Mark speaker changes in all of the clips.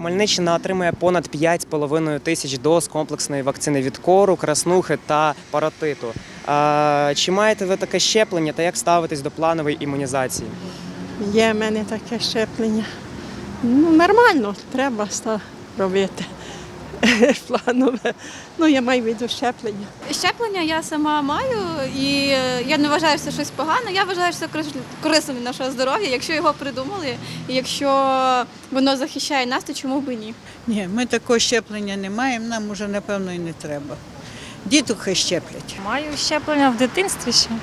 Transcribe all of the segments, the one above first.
Speaker 1: Хмельниччина отримує понад 5,5 тисяч доз комплексної вакцини від кору, краснухи та паротиту. Чи маєте ви таке щеплення та як ставитесь до планової імунізації?
Speaker 2: Є в мене таке щеплення. Нормально, треба робити планове. Я маю в виду щеплення.
Speaker 3: Щеплення я сама маю, і я не вважаю, що це щось погане. Я вважаю, що це корисно для нашого здоров'я. Якщо його придумали, і якщо воно захищає нас, то чому б і ні?
Speaker 4: Ні, ми такого щеплення не маємо, нам уже, напевно, і не треба. Діток хай щеплять.
Speaker 5: Маю щеплення в дитинстві ще.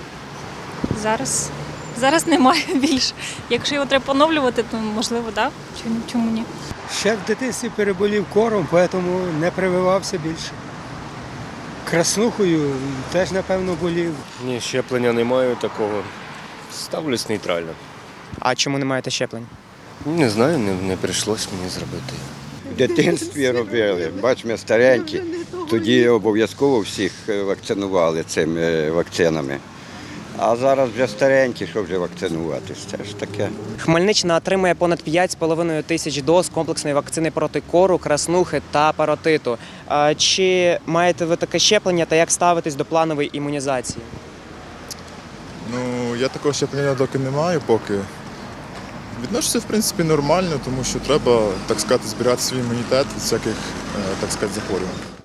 Speaker 5: Зараз немає більше. Якщо його треба поновлювати, то можливо, так. Чому ні?
Speaker 6: Ще в дитинстві переболів кором, тому не прививався більше. Краснухою теж, напевно, болів.
Speaker 7: Ні, щеплення не маю такого. Ставлюсь нейтрально.
Speaker 1: А чому не маєте щеплень?
Speaker 7: Не знаю, не прийшлось мені зробити.
Speaker 8: В дитинстві робили, бач, ми старенькі, тоді обов'язково всіх вакцинували цими вакцинами. А зараз вже старенькі, що вже вакцинуватись, це ж таке.
Speaker 1: Хмельниччина отримує понад 5,5 тисяч доз комплексної вакцини проти кору, краснухи та паротиту. Чи маєте ви таке щеплення та як ставитесь до планової імунізації?
Speaker 9: Я такого щеплення доки не маю поки. Відношуся, в принципі, нормально, тому що треба, так сказати, збирати свій імунітет від всяких, так сказати, захворювань.